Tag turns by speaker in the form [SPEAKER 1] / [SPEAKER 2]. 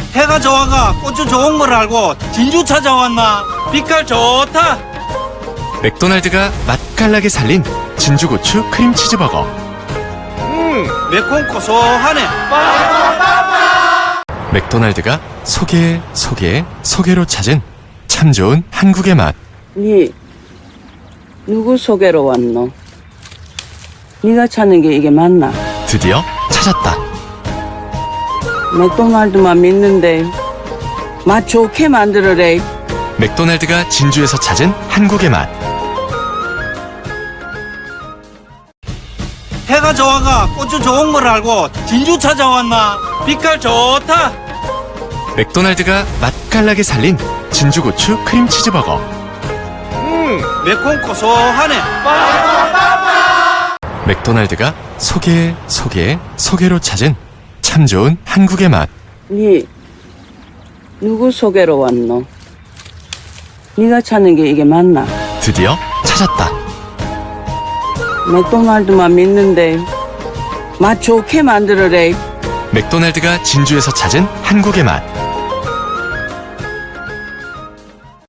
[SPEAKER 1] 해가 좋아가 고추 좋은 걸 알고 진주 찾아왔나? 빛깔 좋다.
[SPEAKER 2] 맥도날드가 맛깔나게 살린 진주고추 크림치즈버거.
[SPEAKER 1] 매콤 고소하네.
[SPEAKER 2] 맥도날드가 소개로 찾은 참 좋은 한국의 맛.
[SPEAKER 3] 니 누구 소개로 왔노? 니가 찾는 게 이게 맞나?
[SPEAKER 2] 드디어 찾았다.
[SPEAKER 3] 맥도날드만 믿는데 맛 좋게 만들어래.
[SPEAKER 2] 맥도날드가 진주에서 찾은 한국의 맛.
[SPEAKER 1] 해가 좋아가 고추 좋은 걸 알고 진주 찾아왔나? 빛깔 좋다.
[SPEAKER 2] 맥도날드가 맛깔나게 살린 진주고추 크림치즈버거.
[SPEAKER 1] 매콤 고소하네.
[SPEAKER 2] 맥도날드가 소개로 찾은 참 좋은 한국의 맛.
[SPEAKER 3] 니 누구 소개로 왔노? 니가 찾는 게 이게 맞나?
[SPEAKER 2] 드디어 찾았다.
[SPEAKER 3] 맥도날드만 믿는데 맛 좋게 만들어래.
[SPEAKER 2] 맥도날드가 진주에서 찾은 한국의 맛.